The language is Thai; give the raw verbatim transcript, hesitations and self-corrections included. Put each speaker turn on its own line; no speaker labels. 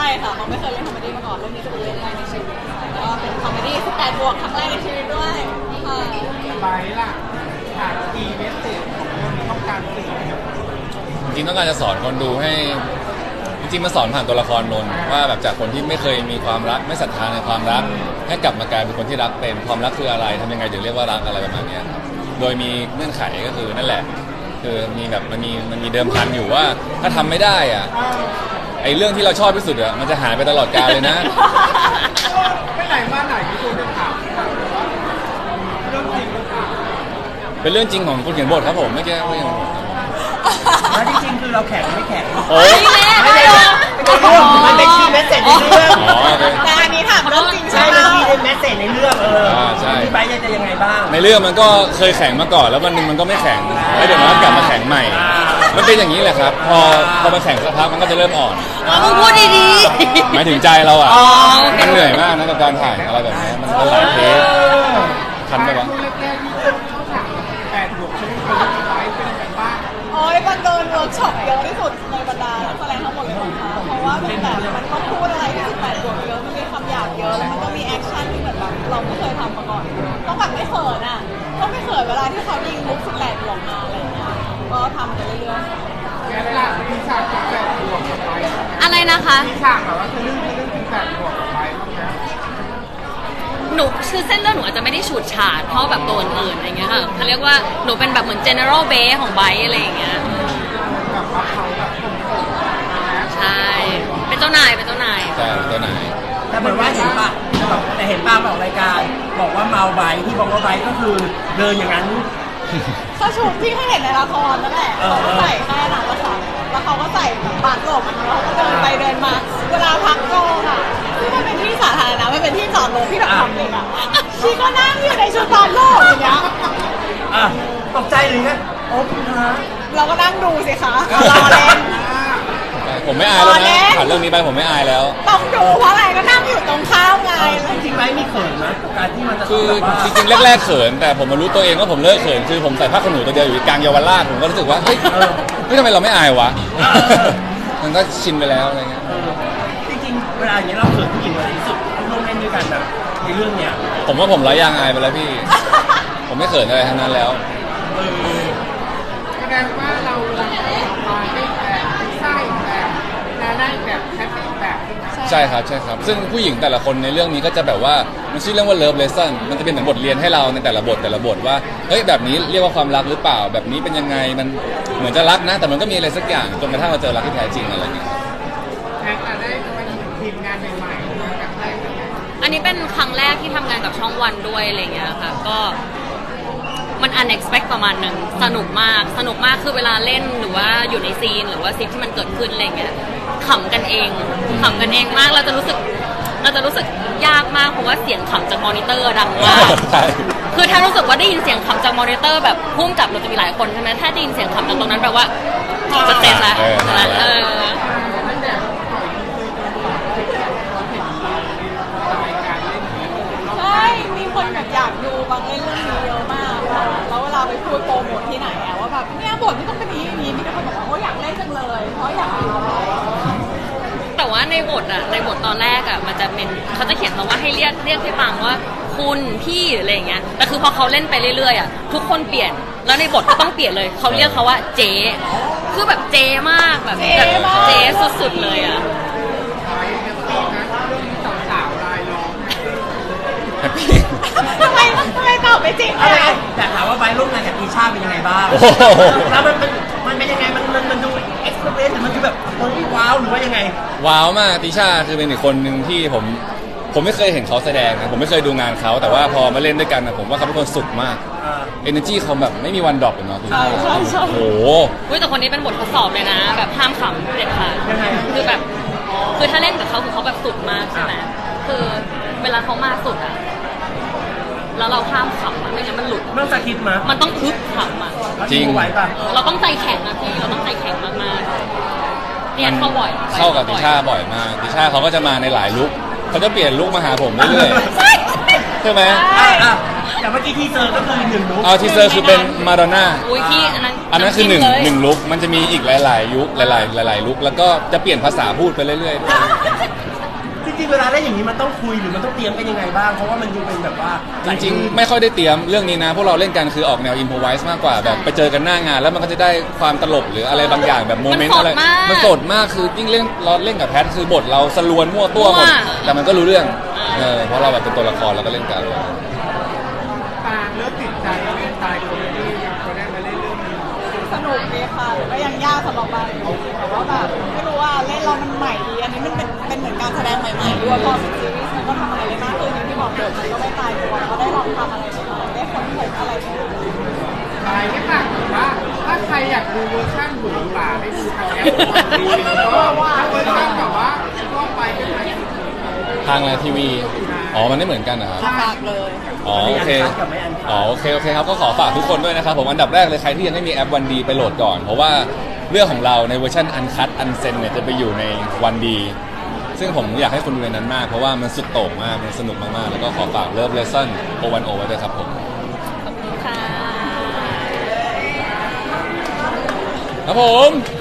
ค่ะเขาไม่เคยเล่นคอมเมดี้มาก่อนเรื่องนี้จะเป็นเรื่องแรกในชีวิตแล้วก็เป็นคอมเมดี้สิบแปดบวกครั้งแรกในชีวิตด้วยค่ะ
ไปล่ะหาคีย์เมสเซจของเรื่องนี้ต้องการสื่อ
จริงๆต้องการจะสอนคนดูให้จริงๆมาสอนผ่านตัวละครนนท์ว่าแบบจากคนที่ไม่เคยมีความรักไม่ศรัทธาในความรักให้กลับมากลายเป็นคนที่รักเป็นความรักคืออะไรทำยังไงถึงเรียกว่ารักอะไรประมาณนี้ครับโดยมีเงื่อนไขก็คือนั่นแหละคือมีแบบมันมีมันมีเดิมพันอยู่ว่าถ้าทำไม่ได้อ่ะไอ้เรื่องที่เราชอบที่สุดอ่ะมันจะหายไปตลอดกาลเลยนะ
ไม่ไหนมาไหนมีคนจะถามเรื่องจริงหรือเปล่า
เป็นเรื่องจริงของคนเขียนบทครับผมไม่แก้ไม่ใช่ของผม
แล้วจริงๆคือเราแข็งไม่แข็ง
โอ้ย
ไม่ได้มันเป็นคีย์เมสเซจในเรื่อง
แต่อันนี้ถามเรื่องจริงใช่
ใช่
ไหม
เป็นคีย์เมสเซจในเรื่องเออที่ไบร์ทจะยังไงบ้าง
ในเรื่องมันก็เคยแข็งมาก่อนแล้ววันหนึ่งมันก็ไม่แข็งแล้วเดี๋ยวมันก็กลับมาแข็งใหม่มันเป็นอย่างนี้แหละครับพอพอมันแข็งสักพักมันก็จะเริ่มอ่อน
มึงพูดดี
ๆหมายถึงใจเราอ่ะมันเหนื่อยมากนะกับการถ่ายอะไรแบบนี้มันหลายเทปทันไหมวะ
แปดบวกชีวิตคนไว้เป็นยังไงบ้าง
โอ้ยมันโดนเวิร์กช็อปเยอะที่สุดในบรรดานักแสดงทั้งหมดเลยนะคะเพราะว่ามันแบบมันต้องพูดอะไรที่สิบแปดบวกเยอะมันมีคำหยาบเยอะแล้วมันก็มีแอคชั่นที่เหมือนแบบเราไม่เคยทำมาก่อนต้องแบบไม่เขินอ่ะต้องไม่เขินเวลาที่เขายิงมุกสิบแปดบวกมาอะไรอย่างเงี้ยก็ทำไปเรื่อย
ๆแกล่ะมีฉากสิบแปดบวกกับไว้
อะไรนะคะ
มีฉากแบบว่าจะเรื่องจะเรื่องสิบแปดบวกกับไว้บ้างนะ
หนูคือเส้นเรื่องหนูอาจจะไม่ได้ฉูดฉาดเท่าแบบตัวอื่นอะไรเงี้ยค่ะเขาเรียกว่าหนูเป็นแบบเหมือน general base ของไบค์อะไรอย่างเงี้ย
แบบว่าเขาแบบคมๆ
ใช่เป็นเจ้านายเป็นเจ้านาย
ใช่เจ้านาย
แต่เหมือนว่าเห็นป่ะแต่เห็นป้าบอกรายการบอกว่าเมาไบค์ที่บอกว่าไบค์ก็คือเดินอย่างนั้น
ก็ชุดที่ให้เห็นในละครนั่นแหละเขาก็ใส่แค่นั้นละค่ะแล้วเขาก็ใส่แบบบาดหลบแล้วเขาก็เดินไปเดินมาเวลาพักกองอ่ะที่มันเป็นที่สาธารณะไม่เป็นที่จอดรถที่แบบทำเองอ่ะชีก็นั่งอยู่ในชุดบาดหลบอย่างเงี้ย
อ่ะตกใจหรือไงโอ้คุณฮะ
เราก็นั่งดูสิคะรอเล่น
ผมไม่อายแล้วนะผ่านเรื่องนี้ไปผมไม่อายแล้ว
ต้องดูเพราะอะไรก็นั่งอยู่ตรงข้าวไง
จริงๆไหมมีเขินไหมการที่มันจะ
คือจริงๆแรกๆเขินแต่ผมมารู้ตัวเองว่าผมเลิกเขินคือผมใส่ผ้าขนหนูตัวเดียวอยู่กลางเยาวราชผมก็รู้สึกว่าเฮ้ยเฮ้ยทำไมเราไม่อายวะมันก็ชินไปแล้วอะไรเงี้ย
จริงๆเวลาอย่างนี้เราเขินผู้หญิงอะไรที่สุดร่วมเล่นด้วยกันแบบในเรื่องเนี้ย
ผมว่าผมร้อยยางอายไปแล้วพี่ผมไม่เขินอะไรทั้งนั้นแล้ว
แสดงว่าเราเรามาได้แบบใช่แบบและได้แบบแคปแบบ
ใช่ครับใช่ครับซึ่งผู้หญิงแต่ละคนในเรื่องนี้ก็จะแบบว่ามันชื่อเรื่องว่า Love Lesson มันจะเป็นเหมือนบทเรียนให้เราในแต่ละบทแต่ละบทว่าเฮ้ยแบบนี้เรียกว่าความรักหรือเปล่าแบบนี้เป็นยังไงมันเหมือนจะรักนะแต่มันก็มีอะไรสักอย่างจนกระทั่งเราเจอรักที่แท้จริงอะไรเงี้ย
แท็กได้มาทีมงานใหม่ๆกับใคร
อันนี้เป็นครั้งแรกที่ทำงานกับช่องวันด้วยอะไรเงี้ยค่ะก็มัน unexpected ประมาณหนึ่งสนุกมากสนุกมากคือเวลาเล่นหรือว่าอยู่ในซีนหรือว่าซีนที่มันเกิดขึ้นอะไรเงี้ยขำกันเองขำกันเองมากเราจะรู้สึกเราจะรู้สึกยากมากเพราะว่าเสียงขำจากมอนิเตอร์ดังมากคือถ้ารู้สึกว่าได้ยินเสียงขำจากมอนิเตอร์แบบพุ่งกับเราจะมีหลายคนใช่ไหมถ้าได้ยินเสียงขำจากตรงนั้นแปลว่าจะเต้นละเออ
ใช่มีคนแบบอยากดูบางเล่นเรื่องนี้เยอะมากแล้วเวลาไปพูดโปรโมทที่ไหนอะว่าแบบเนี่ยบทที่ต้องเป็นนี้นี้มีแต่คนบอกว่าเขาอยากเล่นจังเลยเพราะอยากดู
แต่ว่าในบทอะในบทตอนแรกอะมันจะเป็นเขาจะเขียนมาว่าให้เรียกเรียกพี่ปังว่าคุณพี่อะไรอย่างเงี้ยแต่คือพอเขาเล่นไปเรื่อยๆอะทุกคนเปลี่ยนแล้วในบทก็ต้องเปลี่ยนเลยเขาเรียกเขาว่าเจ๊คือแบบเจ๊มากแบบเจ๊สุดๆเลยอะ
ทำไมทำไมตอบไม่จริง
อะไรแต่ถามว่าไบร์ทร่วมงานกับตีชาเป็นยังไงบ้างแล้วมันมันมันเป็นยังไงมันมันมันดูเอ็กซ์เพรสหรือมันคือแบบว้าวหรือว่ายังไง
ว้าวมากติชาคือเป็นอีกคนหนึ่งที่ผมผมไม่เคยเห็นเขาแสดงนะผมไม่เคยดูงานเขาแต่ว่าพอมาเล่นด้วยกันนะผมว่าเขาเป็นคนสุดมากเอเนอร์จีเขาแบบไม่มีวันดรอปเลยเนาะ
ใช่ใช่ใช่
โอ้โห
แต่คนนี้เป็นบททดสอบเลยนะแบบห้ามขำเด็ดขาดคือแบบคือถ้าเล่นกับเขาคือเขาแบบสุดมากใช่ไหมคือเวลาเขามาสุดอะแล้วเราห้ามขำไม่งั้นมันหลุด
มันจะคิดมา
มันต้องพึบขำอ่ะ
จริง
เราต้องใจแข็งนะพี่เราต้องใจแข็งมากๆเนี่ยเข้าบ่อย
เข้ากับติชาบ่อยมากติชาเขาก็จะมาในหลายลุคเขาจะเปลี่ยนลุคมาหาผมเรื่อยๆใช่ไหม
อย่างเมื่อกี้ทีเซอร์ก็คือหนึ่งลุค
เอาทีเซอร์คือเป็นมาดอนน่า
อุ้ยพี่อันนั้น
อันนั้นคือหนึ่งหนึ่งลุคมันจะมีอีกหลายๆยุคหลายๆหลายๆลุคแล้วก็จะเปลี่ยนภาษาพูดไปเรื่อยๆ
ริงๆเวลาเล่นอย่างนี้มันต้องคุยหรือมันต้องเตรียมกันยังไงบ้างเพราะว่ามันดูเป็นแบบว่า
จริงๆไม่ค่อยได้เตรียมเรื่องนี้นะพวกเราเล่นกันคือออกแนวอินโพไวส์มากกว่าแบบไปเจอกันหน้างาน แล้วมันก็จะได้ความตลกหรืออะไรบางอย่างแบบโมเมนต์อะไรมันสดมากคือยิ่งเล่นเราเล่นกับแพทคือบทเราสลวนมั่วตัวหมดแต่มันก็รู้เรื่องเออเพราะเราแบบเป็นตัวละครแล้วก็เล่นกัน
ตาเริ่มติดใจเล่นตายคนที่เขาได้มาเล่นเรื่องนี้
สนุกดีค่ะก็ยังยากสำหรับเราอยู่แต่ว่าแบบไม่รู้ว่าเล่นเรามันใหม่ดีอันนี้มันเป็นเป็นเหมือนการแสดงใหม่ๆด้วยพอเป็นซีรีส์มันก็ทำอะไรได้มากขึ้นอย่างที่บอกเดิมมันก็ไม่ตายตัวก็ได้ลองทำอะไรใหม่ๆได้ค้นพบอะไรใหม่ๆ
ตายแค่ต่างแต่ว่าถ้าใครอยากดูเวอร์ชันหมูป่าให้ดูทางแอปวันดีก็ว่าเวอร์ชันแบบว่าก็ไปเป็นไง
ทางอะไรทีวีอ๋อมันไม่เหมือนกันนะครับ
ฝากเลย
อ๋อโอเคอ๋อโอเคโอเคครับก็ขอฝากทุกคนด้วยนะครับผมอันดับแรกเลยใครที่ยังไม่มีแอปวันดีไปโหลดก่อน เพราะว่าเรื่องของเราในเวอร์ชันอันคัตอันเซนเนี่ยจะไปอยู่ในวันดีซึ่งผมอยากให้คุณดูในนั้นมากเพราะว่ามันสุดโต่งมากมันสนุกมากๆแล้วก็ขอฝากเลิฟเลสซันโอวันโอไว้ด้วยครับผม
ขอบคุณค่ะ
ครับผม